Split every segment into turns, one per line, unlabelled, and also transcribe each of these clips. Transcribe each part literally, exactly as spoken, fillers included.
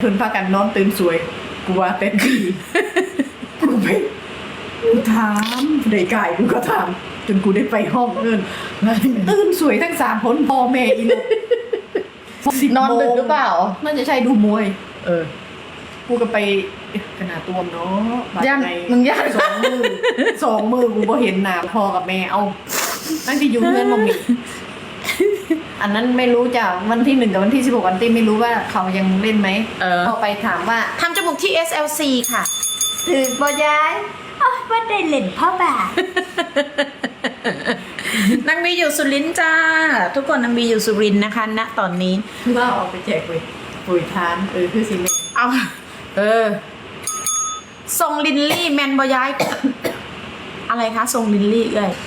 เพิ่นพากันนอนตื่นสวยกูว่าเต็มที่กูไปกูถามได้กายกูก็ถามจนกูได้ไปห้องเอิ้นตื่นสวยทั้งสามคนพ่อแม่อีลูก
นอนดึกหรือเปล่า
น่าจะใช่ดูมวย
เออ
กูก็ไปขนาดตัวมเนาะ
ย่านมึงย่าน
สองมือสองมือกูก็เห็นหน้าพ่อกับแม่เอาตั้งที่อยู่เงินมามีอันนั้นไม่รู้จ้ะวันที่หนึ่งกับวันที่สิบหกวันที่ไม่รู้ว่าเขายังเล่นไหมเออพอไปถามว่า
ทำจมูกที่ เอส แอล ซี ค่ะ
ถือบอยายอ๋อว่าได้เล่นพ่อบ่าน
างบีอยู่สุรินทร์จ้าทุกคนนางบีอยู่สุรินทร์นะคะณตอนนี้
ว่าออกไปแจกปุ๋ยปุ๋ยทานเออคือสิเม
เอาเออทรงลินลี่แมนบอยาย อะไรคะทรงลินลี่เอ้ย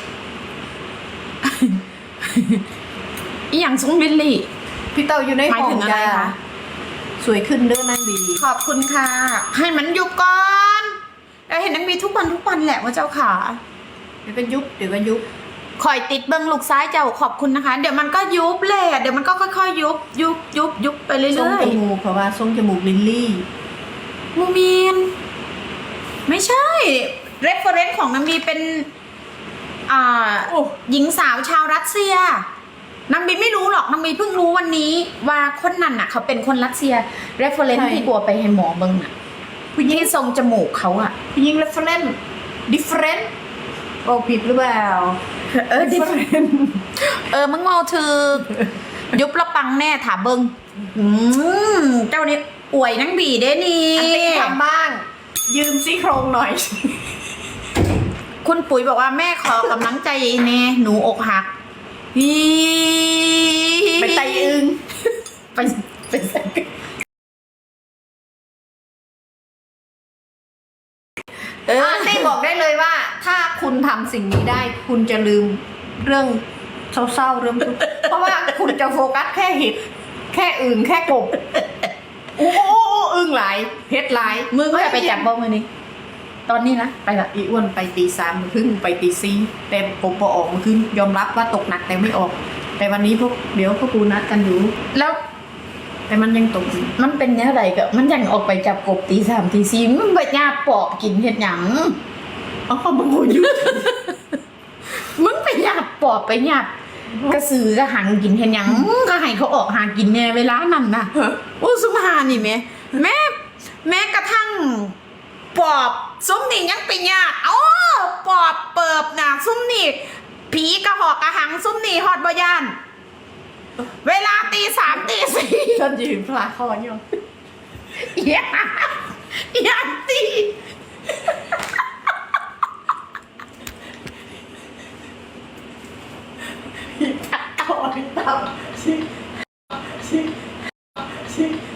อีหยังทรงลินลี่
พี่เต้าอยู่ในห้องจ้าสวยขึ้นเด้อนางบี
ขอบคุณค่ะให้มันยุบก่อนเราเห็นนางบีทุกวันทุกวันแหละว่าเจ้าขา
เดี๋ยวก็ยุบเดี๋ยวก็ยุบ
คอยติดเบิ้งลูกซ้ายเจ้าขอบคุณนะคะเดี๋ยวมันก็ยุบแหละเดี๋ยวมันก็ค่อยๆยุบยุบยุบยุบไปเรื่อยๆทรง
จมูกเพราะว่าทรงจมูกลินลี่
มูมีนไม่ใช่เรฟเฟอเรนซ์ของนางบีเป็นอ่าหญิงสาวชาวรัสเซียนางบีไม่รู้หรอกนางบีเพิ่งรู้วันนี้ว่าคนนั้นน่ะเขาเป็นคนรัสเซียเรฟเฟอเรนซ์ที่กลัวไปให้หมอเบิ้งน่ะผู้หญิงทรงจมูกเขาอะ
ผู้หญิงเรฟเฟอเรนซ์ดิฟเฟรนซ์โอ้ผิดหรือเปล่า
เออดิฟเฟรนซ์เออมึงเมาถือยุบละปังแน่ถามเบิ้งอืมเจ้านี่อวยนางบีได้นี่
อันตี้ทำบ้างยืมซี่โครงหน่อย
คุณปุ๋ยบอกว่าแม่ขอกำลังใจแน่หนูอกหัก
ไปไตอึง
ไปไปใส่
เออได้บอกได้เลยว่าถ้าคุณทำสิ่งนี้ได้คุณจะลืมเรื่องเศร้าๆเรื่องทุกข์เพราะว่าคุณจะโฟกัสแค่เห็ดแค่อึงแค่กบโอ้โหอึงหลายเห็ดหลาย
มึงจะไปจับบ้องมือนี้ตอนนี้นะไปละ
อีอ้วนไปตีสามมือครึ่งไปตีสี่แต่ผมพอออกมือครึ่งยอมรับว่าตกหนักแต่ไม่ออกแต่วันนี้พวกเดี๋ยวพวกกูนัดกันอยู่
แล้ว
แต่มันยังตก
มันเป็นเนี้ยอะไรก็มันยังออกไปจับกบตีสามตีสี่มึงไปหยาบปอบกินเห็ดหยัง
อ๋อมึงโหยุด
มึงไปหยาบปอบไปหยาบกระสือกระหังกินเห็ดหยังก็ให้เขาออกหากินแน่เวลานั้นนะโอ้สุภานี่แม่แม่แม้กระทั่งปอบซุ้มนี่ยังไปหยาบอ๋อปอบเปิบนะซุ้มนี่ผีกระหอกกระหังซุ้มนี่ฮอดบ่ยานเวลาตีสามตีสี่
ฉันยืนพลาคออยู่
อย่าอย่าตี
เอาไอ้เต่าชิชิชิ